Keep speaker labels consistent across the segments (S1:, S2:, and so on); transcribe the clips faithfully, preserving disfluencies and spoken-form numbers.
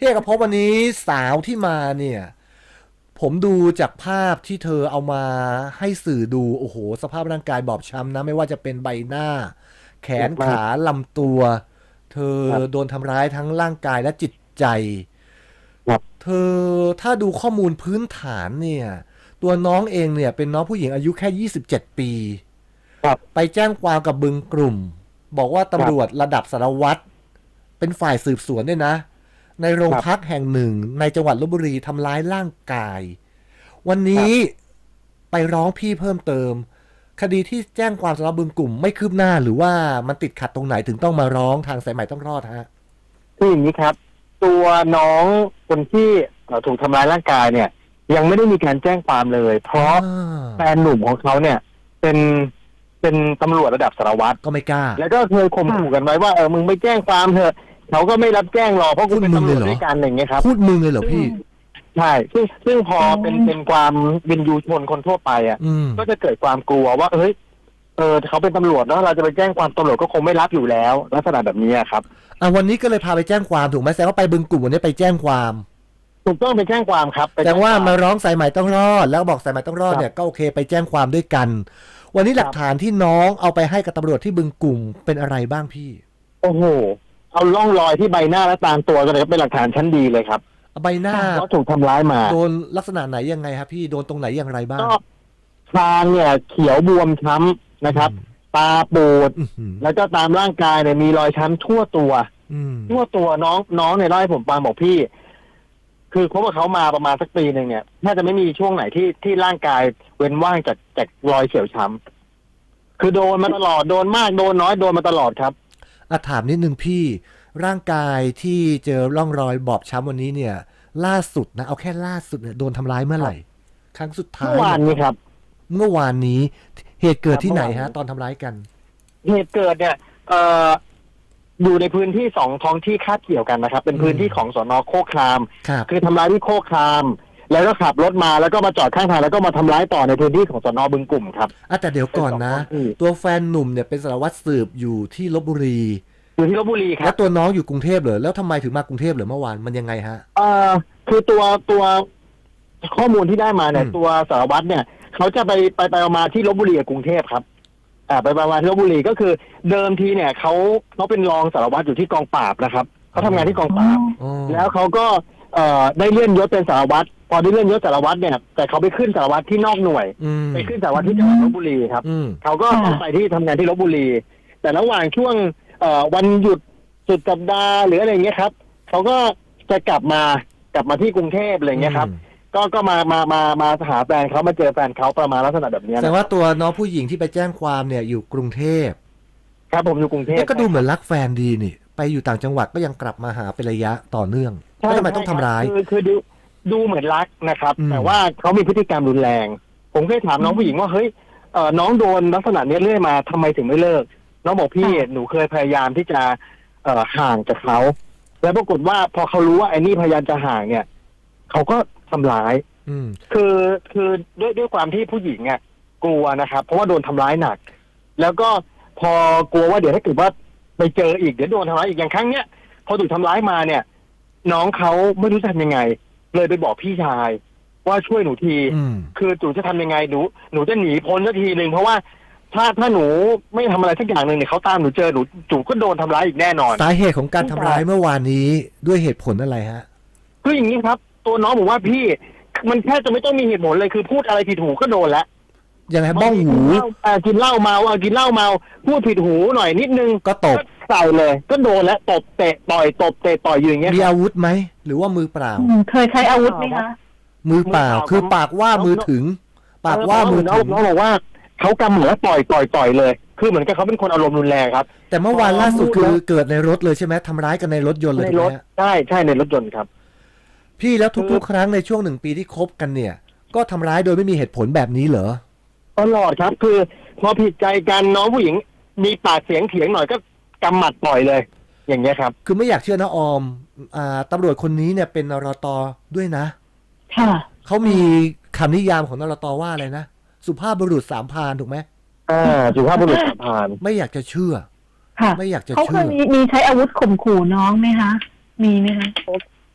S1: พี่เอกภพวันนี้สาวที่มาเนี่ยผมดูจากภาพที่เธอเอามาให้สื่อดูโอ้โหสภาพร่างกายบอบช้ำนะไม่ว่าจะเป็นใบหน้าแขน
S2: มาก
S1: ขาลำตัวเธอ
S2: ครับ
S1: โดนทำร้ายทั้งร่างกายและจิตใจ
S2: ครับ
S1: เธอถ้าดูข้อมูลพื้นฐานเนี่ยตัวน้องเองเนี่ยเป็นน้องผู้หญิงอายุแค่ยี่สิบเจ็ดปี
S2: ครับ
S1: ไปแจ้งความกับบึงกลุ่มบอกว่า
S2: ครั
S1: ตำรวจ
S2: บ
S1: ระดับสารวัตรเป็นฝ่ายสืบสวนด้วยนะในโรง
S2: ครับ
S1: พักแห่งหนึ่งในจังหวัดลพบุรีทำร้ายร่างกายวัน
S2: ครั
S1: นี้
S2: บ
S1: ไปร้องพี่เพิ่มเติมคดีที่แจ้งความสำหรับบึงกลุ่มไม่คืบหน้าหรือว่ามันติดขัดตรงไหนถึงต้องมาร้องทางสายใหม่ต้องรอดฮะ
S2: คืออย่างนี้ครับตัวน้องคนที่เอ่อถูกทำร้ายร่างกายเนี่ยยังไม่ได้มีการแจ้งความเลยเพ
S1: อ่
S2: ราะ
S1: า
S2: แฟนหนุ่มของเขาเนี่ยเป็นเป็นตำรวจระดับสารวัตร
S1: ก็ไม่กล้า
S2: แล้วก็เคยข่ม
S3: ค่ะ
S2: ขู่กันไว้ว่าเออมึงไม่แจ้งความเถอะเขาก็ไม่รับแจ้งหรอกเพราะกู
S1: พูด
S2: เป็นตำร
S1: มึงเลยวเหรอ
S2: จด้วยกันอย่างเงี้ยครับ
S1: พูดมึงเลยเหรอ
S2: ซึ่ง
S1: พี่
S2: ใช่ซึ่งซึ่งพอ
S3: อ๋อ
S2: เป็นเป็นความวินยูชนคนทั่วไปอ่ะ
S1: อืม
S2: ก็จะเกิดความกลัวว่าเฮ้ยเออเขาเป็นตำรวจเนาะเราจะไปแจ้งความตำรวจก็คงไม่รับอยู่แล้วลักษณะแบบนี้อะครับ
S1: อ่ะวันนี้ก็เลยพาไปแจ้งความถูกไหมแสดงว่าไปบึงกลุ่มวันนี้ไปแจ้งความ
S2: ถูกต้องไปแจ้งความครับไป
S1: แสด
S2: แจ้งความ
S1: งว่ามาร้องสายใหม่ต้องรอดแล้วบอกสายใหม่ต้องรอด
S2: ครับ
S1: เนี่ยก็โอเคไปแจ้งความด้วยกันวันนี้หลัก
S2: ครับ
S1: ฐานที่น้องเอาไปให้กับตำรวจที่บึงกลุ่มเป็นอะไรบ้างพี่
S2: โอ้โหเอาร่องรอยที่ใบหน้าและตามตัวกันเลยครับเป็นหลักฐานชั้นดีเลยครับ
S1: ใบหน้า
S2: ว่าถูกทำร้ายมา
S1: โดนลักษณะไหนยังไงครับพี่โดนตรงไหนอย่างไรบ้าง
S2: ก็คางเนี่ยเขียวบวมช้ำนะครับตาปูด
S1: อืมอืม
S2: แล้วก็ตามร่างกายเนี่ยมีรอยช้ำทั่วตัว
S1: อืม
S2: ทั่วตัวน้องน้องเนี่ยเล่าให้ผมฟังบอกพี่ คือคบกับเขามาประมาณสักปีหนึ่งเนี่ยน่าจะไม่มีช่วงไหนที่ที่ร่างกายเว้นว่างจากจากรอยเขียวช้ำคือโดนมาตลอดโดนมากโดนน้อยโดนมาตลอดครับ
S1: อ่ะถามนิดนึงพี่ร่างกายที่เจอร่องรอยบอบช้ำวันนี้เนี่ย ล่าสุดนะเอาแค่ล่าสุดเนี่ยโดนทำร้ายเมื่อไหร่ครั้งสุดท้า
S2: เมื่อวานนี้ครับ
S1: เมื่อวานนี้เหตุเกิดที่ไหนฮะตอนทำร้ายกัน
S2: เหตุเกิดเนี่ย เอ่ออยู่ในพื้นที่สองท้องที่คาบเกี่ยวกันนะครับ เป็นพื้นที่ของสนโคกคราม
S1: ครับ
S2: คือทำร้ายที่โคกคราม แล้วก็ขับรถมาแล้วก็มาจอดข้างทางแล้วก็มาทำร้ายต่อในพื้นที่ของสนบึงกลุ่มครับ
S1: อ่ะแต่เดี๋ยวก่อนนะ
S2: เป็นสองท้องที่
S1: ตัวแฟนหนุ่มเนี่ยเป็นสารวัตรสืบอยู่ที่ลพบุรี
S2: อยู่ที่ลบบุรีครั
S1: แล้ว
S2: บ
S1: ตัวน้องอยู่กรุงเทพเหรอแล้วทำไมถึงมากรุงเทพเหรอเมื่อวานมันยังไงฮะ
S2: เอ่อคือตัวตัวข้อมูลที่ได้มาเนี่ย
S1: อืม
S2: ตัวสารวัตรเนี่ยเขาจะไปไปไปมาที่ลบบุรีกับกรุงเทพครับ อ่าไปประมาณที่ลบบุรีก็คือเดิมทีเนี่ยเขาเขาเป็นรองสารวัตรอยู่ที่กองปราบนะครับเขาทำงานที่กองปราบ
S1: อ๋อ
S2: แล้วเขาก็เอ่อได้เลื่อนยศเป็นสารวัตรพอได้เลื่อนยศสารวัตรเนี่ยแต่เขาไปขึ้นสารวัตรที่นอกหน่วย
S1: อืม
S2: ไปขึ้นสารวัตรที่จังหวัดลบบุรีครับ
S1: อืม
S2: เขาก็ต้องไปที่ทำงานที่ลบบุรี แต่ระหว่างช่วงเอ่อวันหยุดสุดสัปดาห์หรืออะไรอย่างเงี้ยครับเขาก็จะกลับมากลับมาที่กรุงเทพอะไรอย่างเงี้ยครับ ก็ก็มามามามาหาแฟนเขามาเจอแฟนเขาประมาณลักษณะแบบเนี้ย
S1: แสด
S2: นะ
S1: งว่าตัวน้องผู้หญิงที่ไปแจ้งความเนี่ยอยู่กรุงเทพ
S2: ครับผมอยู่กรุงเทพ
S1: เนี่ยก็ดูเหมือนรักแฟนดีนี่ ไปอยู่ต่างจังหวัดก็ยังกลับมาหาเป็นระยะต่อเนื่อง
S2: ใช่
S1: แล้วทำไมต้องทำร้าย
S2: คือคือดูดูเหมือนรักนะครับ
S1: อืม
S2: แต่ว่าเขามีพฤติกรรมรุนแรง ผมเคยถามน้องผู้หญิงว่าเฮ้ยเอ่อน้องโดนลักษณะเนี้ยเรื่อยมาทำไมถึงไม่เลิก น้องบอกพี่หนูเคยพยายามที่จะเอ่อห่างจากเขาแล้วปรากฏว่าพอเขารู้ว่าไอ้นี่พยายามจะห่างเนี่ยเขาก็ทำร้าย
S1: อืม
S2: คือคือด้วยด้วยความที่ผู้หญิงอ่ะกลัวนะครับ เพราะว่าโดนทำร้ายหนัก แล้วก็พอกลัวว่าเดี๋ยวถ้าเกิดว่าไปเจออีกเดี๋ยวโดนทำร้ายอีกอย่างครั้งเนี้ยพอถูกทำร้ายมาเนี่ย น้องเขาไม่รู้จะทำยังไง เลยไปบอกพี่ชาย ว่าช่วยหนูที
S1: อืม
S2: คือหนูจะทำยังไงหนูหนูจะหนีพ้นสักทีหนึ่งเพราะว่าถ้าถ้าหนูไม่ทำอะไรสักอย่างหนึ่งเนี่ยเขาตามหนูเจอหนูหนูก็โดนทำร้ายอีกแน่นอน
S1: สาเหตุของการทำร้ายเมื่อวานนี้ด้วยเหตุผลอะไรฮะ
S2: คืออย่างนี้ครับ ตัวน้องบอกว่าพี่มันแค่จะไม่ต้องมีเหตุผลเลยคือพูดอะไรผิดหูก็โดนแล้ว
S1: ยังไงบ้องหู
S2: อ่ากินเหล้าเมาอ่ากินเหล้าเมาพูดผิดหูหน่อยนิดนึง
S1: ก็ตบ
S2: ใส่เลย ก็โดนแล้วตบเตะต่อยตบเตะต่อยอยู่อย่างเงี้ย
S1: มีอาวุธไหม หรือว่ามือเปล่า
S3: อืมเคยใช้อาวุธไหมคะ
S1: มือเปล่า คือปากว่ามือถึง ปากว่ามือ
S2: น้อง
S1: ถึง
S2: น้องบอกว่าเขากำหัวแล้วต่อยต่อยต่อยเลย คือเหมือนกับเขาเป็นคนอารมณ์รุนแรงครับ
S1: แต่เมื่อวานล่าสุดคือเกิดในรถเลยใช่ไหมทำร้ายกันในรถยนต์เลย
S2: ใน
S1: ถูก
S2: ร
S1: ไห
S2: ถ
S1: มฮะ
S2: ใช่ใช่ในรถยนต์ครับ
S1: พี่แล้วทุกๆ ครั้งในช่วงหนึ่งปีที่คบกันเนี่ย ก็ทำร้ายโดยไม่มีเหตุผลแบบนี้เหรอ
S2: ตลอดครับ คือพอผิดใจกันน้องผู้หญิง มีปากเสียงเถียงหน่อยก็กำหมัดปล่อยเลย อย่างเงี้ยครับ
S1: คือไม่อยากเชื่อนะออม อ่าตำรวจคนนี้เนี่ยเป็นนรตด้วยนะ
S3: ค่ะ
S1: เขามีคำนิยามของนรตว่าอะไรนะ สุภาพบุรุษสามพรานถูกไหม
S2: อ่าสุภาพบุรุษสามพราน
S1: ไม่อยากจะเชื่อ
S3: ค่ะ
S1: ไม่อยากจะ
S3: เขาเค
S1: เชื่
S3: ย
S1: อ
S3: มีมีใช้อาวุธข่มขู่น้องไหมคะ มีไหมคะ
S2: ผ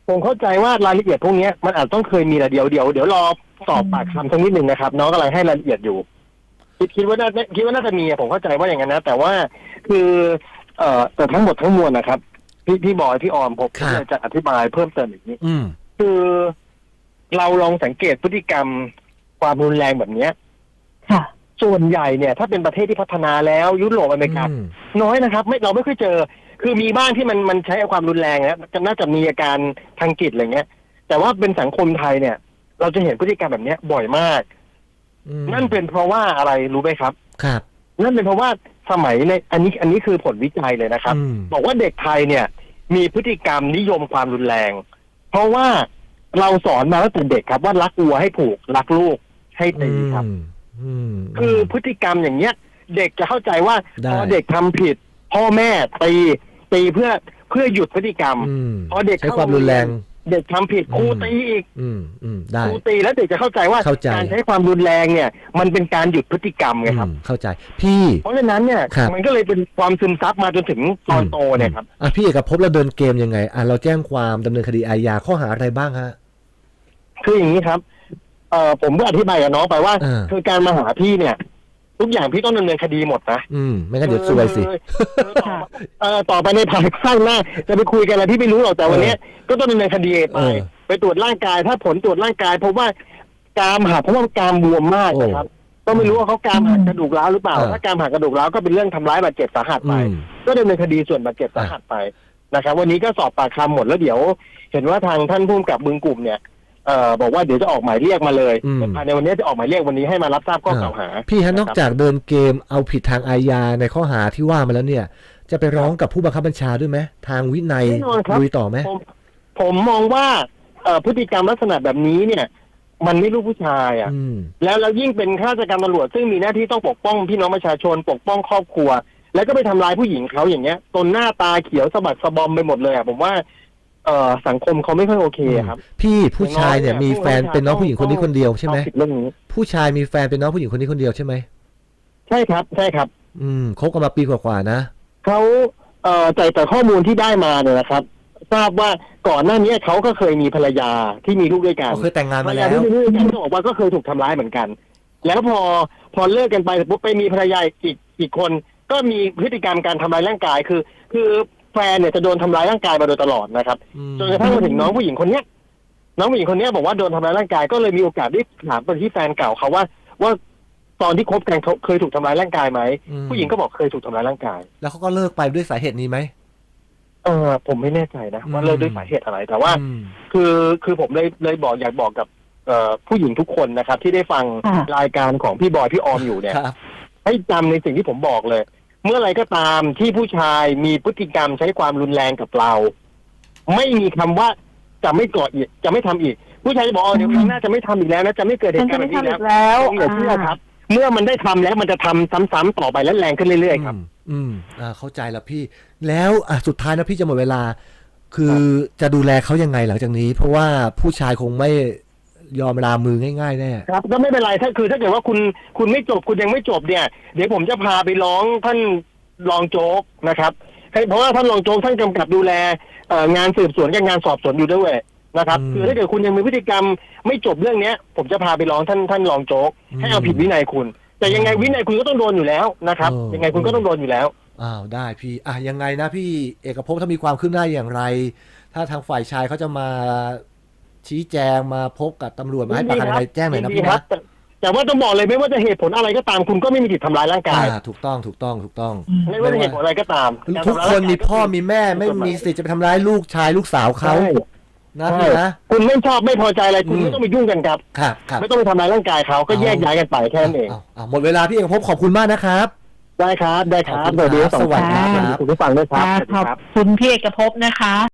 S2: ผมเข้าใจว่ารายละเอียดพวกเนี้ยมันอาจต้องเคยมีแหละเดี๋ยวเดี๋ยวเดี๋ยวรอสอบปากคำสักนิดหนึ่งนะครับน้องกำลังให้รายละเอียดอยู่คิดคิดว่าน่าคิดว่าน่าจะมีอะผมเข้าใจว่าอย่างนั้นนะแต่ว่าคือเอ่อแต่ทั้งหมดทั้งมวลนะครับพี่พี่บอยพี่ออมผม
S1: ครับ
S2: จะอธิบายเพิ่มเติมอีกนิด
S1: อืม
S2: คือเราลองสังเกตพฤติกรรมความรุนแรงแบบเนี้ย
S3: ค่ะ
S2: ส่วนใหญ่เนี่ยถ้าเป็นประเทศที่พัฒนาแล้วยุโรปอเมริกา
S1: อืม
S2: น้อยนะครับ ไม่เราไม่ค่อยเจอ คือมีบ้างที่มันมันใช้ความรุนแรงนะจะน่าจะมีอาการทางจิตอะไรเงี้ย แต่ว่าเป็นสังคมไทยเนี่ย เราจะเห็นพฤติกรรมแบบเนี้ยบ่อยมาก
S1: อืม
S2: นั่นเป็นเพราะว่าอะไรรู้ไหมครับ
S1: ครับ
S2: นั่นเป็นเพราะว่าสมัยในอันนี้อันนี้คือผลวิจัยเลยนะครับ
S1: อืม
S2: บอกว่าเด็กไทยเนี่ย มีพฤติกรรมนิยมความรุนแรง เพราะว่าเราสอนมาตั้งแต่เด็กครับว่ารักวัวให้ผูกรักลูกให้ตีครับ
S1: อืมอืม
S2: คือพฤติกรรมอย่างเงี้ย เด็กจะเข้าใจว่า
S1: ได้
S2: พอเด็กทำผิด พ่อแม่ตีตีเพื่อเพื่อหยุดพฤติกรรม
S1: อืม
S2: พอเด็ก
S1: ใช้ความรุนแรง
S2: เด็กทำผิดครูตีอีก
S1: อืมอืมได้
S2: ครูตีแล้วเด็กจะเข้าใจว่า
S1: เข้าใจ
S2: การใช้ความรุนแรงเนี่ย มันเป็นการหยุดพฤติกรรมไงครับ
S1: อืมเข้าใจ พี่
S2: เพราะฉะนั้นเนี่ย
S1: ครับ
S2: มันก็เลยเป็นความซึมซับมาจนถึงตอนโตเนี่ยครับ
S1: อ่ะพี่เอกภพเราเดินเกมยังไงอ่ะเราแจ้งความดำเนินคดีอาญาข้อหาอะไรบ้างฮะ
S2: คืออย่างนี้ครับเอ่อผมก็อธิบายกับน้องไปว่า
S1: อ่า
S2: คือการมาหาพี่เนี่ย ทุกอย่างพี่ต้องดำเนินคดีหมดนะ
S1: อืมไม่งั้นเดี๋ยวซวยสิ
S3: ค่ะ
S2: เอ่อต่อไปในภายข้างหน้าจะไปคุยกันอะไรที่ไม่รู้หรอกแต่วันเนี้ยก็ต้องดำเนินคดีไป
S1: เออ
S2: ไปตรวจร่างกายถ้าผลตรวจร่างกายพบว่ากรามหักเพราะว่ากรามบวมมากนะครับก็ไม่รู้ว่าเขากรามหักกระดูกร้าวหรือเปล่า
S1: เออ
S2: ถ้ากรามหักกระดูกร้าวก็เป็นเรื่องทำร้ายบาดเจ็บสาหัสไป
S1: อืม
S2: ก็ดำเนินคดีส่วนบาดเจ็บสาหัสไปนะครับ วันนี้ก็สอบปากคำหมดแล้วเดี๋ยว เห็นว่าทางท่านผู้กำกับบึงกลุ่มเนี่ยเอ่อบอกว่าเดี๋ยวจะออกหมายเรียกมาเลย
S1: อืม
S2: ภายในวันนี้จะออกหมายเรียกวันนี้ให้มารับทราบข้อกล่าวหา
S1: พี่ฮะ
S2: ะ
S1: น
S2: ครับ
S1: อกจากเดินเกมเอาผิดทางอาญาในข้อหาที่ว่ามาแล้วเนี่ย จะไปร้องกับผู้บังคับบัญชาด้วยไหมทางวินัย
S2: แน่นอนครับ
S1: ลุยต่อไหม
S2: ผมผมมองว่าเอ่อพฤติกรรมลักษณะแบบนี้เนี่ย มันไม่รู้ผู้ชายอ่ะ
S1: อืม
S2: แล้วแล้วยิ่งเป็นข้าราชการตำรวจซึ่งมีหน้าที่ต้องปกป้องพี่น้องประชาชนปกป้องครอบครัว แล้วก็ไปทำร้ายผู้หญิงเขาอย่างเงี้ยตนหน้าตาเขียวสะบัดสะบอมไปหมดเลยอ่ะผมว่าเอ่อสังคมเขาไม่ค่อยโอเคครับ
S1: พี่ผู้ชายเนี่ย
S2: น้องเนี่ย
S1: มีแฟนเป็นน้องผู้หญิงคนนี้คนเดียวใช่ไหม
S2: เอาผิดเรื่องนี้
S1: ผู้ชายมีแฟนเป็นน้องผู้หญิงคนนี้คนเดียวใช่ไหม
S2: ใช่ครับ ใช่ครับ
S1: อืมคบกันมาปีกว่าๆนะ
S2: เขาเอ่อจากแต่ข้อมูลที่ได้มาเนี่ยนะครับ ทราบว่าก่อนหน้านี้เขาก็เคยมีภรรยาที่มีลูกด้วยกัน
S1: เขาเคยแต่งงาน
S2: ภร
S1: มาร
S2: ยา
S1: แล้ว
S2: ที่มีลูกด้วยกันก็บอกว่าก็เคยถูกทำร้ายเหมือนกัน แล้วพอพอเลิกกันไปปุ๊บไปมีภรรยาอีกอีกคนก็มีพฤติกรรมการทำร้ายร่างกายคือ คือแฟนเนี่ยจะโดนทำร้ายร่างกายมาโดยตลอดนะครับ
S1: อืม
S2: จนกระทั่งมาถึงน้องผู้หญิงคนเนี้ยน้องผู้หญิงคนเนี้ยบอกว่าโดนทำร้ายร่างกายก็เลยมีโอกาสได้ถามไปที่แฟนเก่าเขาว่า ว่าตอนที่คบกันเขาเคยถูกทำร้ายร่างกายไหม
S1: อืม
S2: ผู้หญิงก็บอกเคยถูกทำร้ายร่างกาย
S1: แล้วเขาก็เลิกไปด้วยสาเหตุนี้ไหม
S2: เออผมไม่แน่ใจนะว่า
S1: อืม
S2: เลิกด้วยสาเหตุอะไร แต่ว่า
S1: อืม
S2: คือคือผมเลยเลยบอกอยากบอกกับเอ่อผู้หญิงทุกคนนะครับ ที่ได้ฟัง
S3: ค่ะ
S2: รายการของพี่บอยพี่ออมอยู่เนี่ย
S1: ครับ
S2: ให้จำในสิ่งที่ผมบอกเลย เมื่อไรก็ตามที่ผู้ชายมีพฤติกรรมใช้ความรุนแรงกับเรา ไม่มีคำว่าจะไม่ก่ออีกจะไม่ทำอีก ผู้ชายจะบอกอ๋อเดี๋ยวครั้งหน้าจะไม่ทำอีกแล้วนะจะไม่เกิดเห
S3: ฉัน
S2: ตุกา
S3: จะ
S2: รณ์แบ
S3: ไม่
S2: บนี้
S3: ทำ
S2: แล้
S3: อี
S2: ว
S3: กแล้ว
S2: อย่าเชื่อครับ เมื่อมันได้ทำแล้วมันจะทำซ้ำๆต่อไปและแรงขึ้นเรื่อยๆครับ
S1: อืมอืมอ่าเข้าใจแล้วพี่ แล้วอ่ะสุดท้ายนะพี่จะหมดเวลา คือจะดูแลเขายังไงหลังจากนี้ เพราะว่าผู้ชายคงไม่ยอมลามือง่ายๆแน่
S2: ครับก็ไม่เป็นไรถ้าคือถ้าเกิดว่าคุณคุณไม่จบคุณยังไม่จบเนี่ย เดี๋ยวผมจะพาไปร้องท่านรองโจ๊กนะครับให้เพราะว่าท่านรองโจ๊กท่านกำกับดูแลเอ่องานสืบสวนกับงานสอบสวนอยู่ด้วยนะครับ
S1: อืม
S2: คือถ้าเกิดคุณยังมีพฤติกรรมไม่จบเรื่องเนี้ย ผมจะพาไปร้องท่านท่านรองโจ๊ก
S1: อืม
S2: ให้เอาผิดวินัยคุณ แต่ยังไงวินัยคุณก็ต้องโดนอยู่แล้วนะครับ
S1: เออ
S2: ยังไงคุณก็ต้องโดนอยู่แล้ว
S1: อ้าวได้พี่อ่ะยังไงนะพี่เอกภพถ้ามีความคืบหน้าอย่างไร ถ้าทางฝ่ายชายเขาจะมาชี้แจงมาพบกับตำรวจมาให้ปากคำอะไรแจ้งหน่อยนะ
S2: ดี
S1: พี่
S2: ครั
S1: นะ
S2: บแต่แต่ว่าต้องบอกเลยไม่ว่าจะเหตุผลอะไรก็ตามคุณก็ไม่มีสิทธิ์ทำร้ายร่างกาย
S1: อ่าถูกต้องถูกต้องถูกต้อง
S2: ไม่ว่าจะเหตุผลอะไรก็ตาม
S1: ทุกคนมีพ่อมีแม่ไม่มีสิทธิ์จะไปทำร้ายลูกชายลูกสาวเขา
S2: ใช่
S1: นะ
S2: ใช่
S1: พี่นะ
S2: คุณไม่ชอบไม่พอใจอะไรคุณ
S1: อืม
S2: ไม่ต้องไปยุ่งกันครับ
S1: ครับครับ
S2: ไม่ต้องไปทำร้ายร่างกายเขาก็แยกย้ายกันไปแค่นั้นเอง
S1: าาหมดเวลาพี่เอกภพขอบคุณมากนะครับ
S2: ได้ครับ ได้ครับ
S1: ขอบคุณครับ
S2: สวัสดีทั้งสอง
S1: สวัสดี
S2: ท่าน
S1: ครับ
S2: คุณผู้ฟังด้วยครับ
S3: ค่ะ
S2: สวัสดี
S3: ขอบ
S2: ครับ
S3: คุณพี่เอกภพนะคะ